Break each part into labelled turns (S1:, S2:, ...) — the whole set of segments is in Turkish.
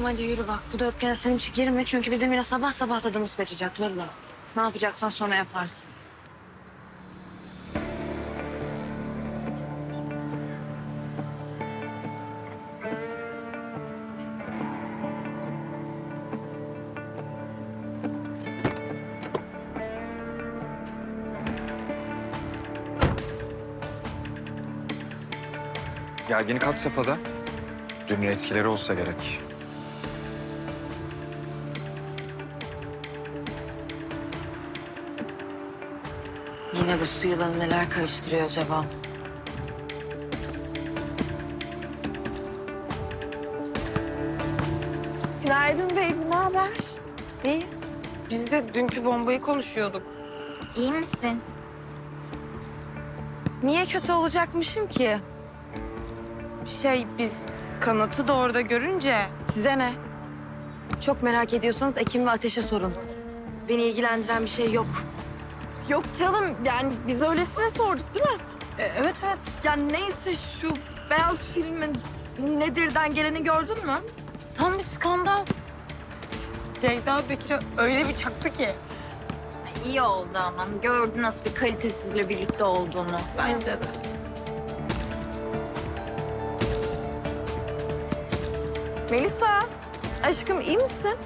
S1: hadi yürü bak. Bu dörtgene sen hiç girme çünkü bizim yine sabah sabah tadımız kaçacak vallahi. Ne yapacaksan sonra yaparsın.
S2: Gerginlik had safhada. Dünün etkileri olsa gerek.
S1: Yine bu su yılanı neler karıştırıyor acaba?
S3: Günaydın Bey, ne haber?
S1: İyi.
S3: Biz de dünkü bombayı konuşuyorduk.
S4: İyi misin?
S1: Niye kötü olacakmışım ki?
S3: Biz Kanat'ı da orada görünce...
S1: Size ne? Çok merak ediyorsanız Ekim ve Ateş'e sorun. Beni ilgilendiren bir şey yok.
S5: Yok canım, yani biz öylesine sorduk değil mi?
S3: Evet.
S5: Yani neyse şu beyaz filmin nedirden geleni gördün mü?
S1: Tam bir skandal.
S3: Ceyda Bekir'e öyle bir çaktı ki.
S4: İyi oldu ama. Gördün nasıl bir kalitesizle birlikte olduğunu.
S3: Bence de.
S5: Melisa, aşkım iyi misin?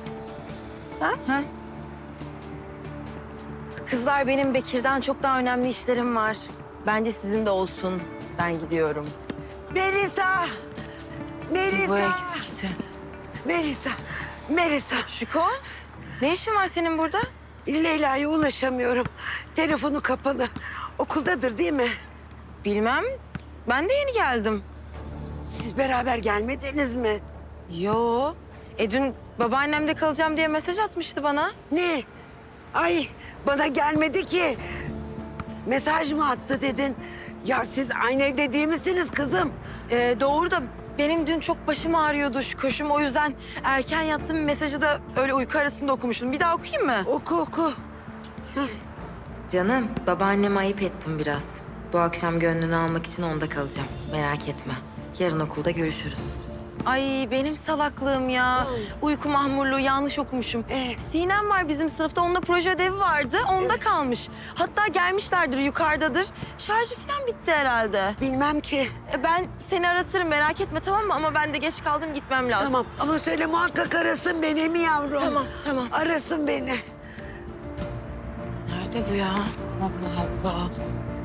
S1: Kızlar benim Bekir'den çok daha önemli işlerim var. Bence sizin de olsun. Ben gidiyorum.
S6: Melisa!
S1: Bu
S6: Melisa!
S1: eksikti.
S6: Melisa! Melisa!
S1: Şuko, ne işin var senin burada?
S6: Leyla'ya ulaşamıyorum. Telefonu kapalı. Okuldadır değil mi?
S1: Bilmem. Ben de yeni geldim.
S6: Siz beraber gelmediniz mi?
S1: Yo. Dün babaannemde kalacağım diye mesaj atmıştı bana.
S6: Ne? Ay bana gelmedi ki. Mesaj mı attı dedin? Ya siz aynı evde değil misiniz kızım?
S1: Doğru da benim dün çok başım ağrıyordu şu koşum. O yüzden erken yattım. Mesajı da öyle uyku arasında okumuştum. Bir daha okuyayım mı?
S6: Oku.
S1: Canım, babaanneme ayıp ettim biraz. Bu akşam gönlünü almak için onda kalacağım. Merak etme. Yarın okulda görüşürüz. Ay benim salaklığım ya. Uyku mahmurluğu yanlış okumuşum. Sinem var bizim sınıfta. Onunla proje ödevi vardı. Onda kalmış. Hatta gelmişlerdir, yukarıdadır. Şarjı falan bitti herhalde.
S6: Bilmem ki.
S1: Ben seni aratırım merak etme tamam mı? Ama ben de geç kaldım gitmem lazım.
S6: Tamam ama söyle muhakkak arasın beni mi yavrum?
S1: Tamam.
S6: Arasın beni.
S1: Nerede bu ya? Allah Allah.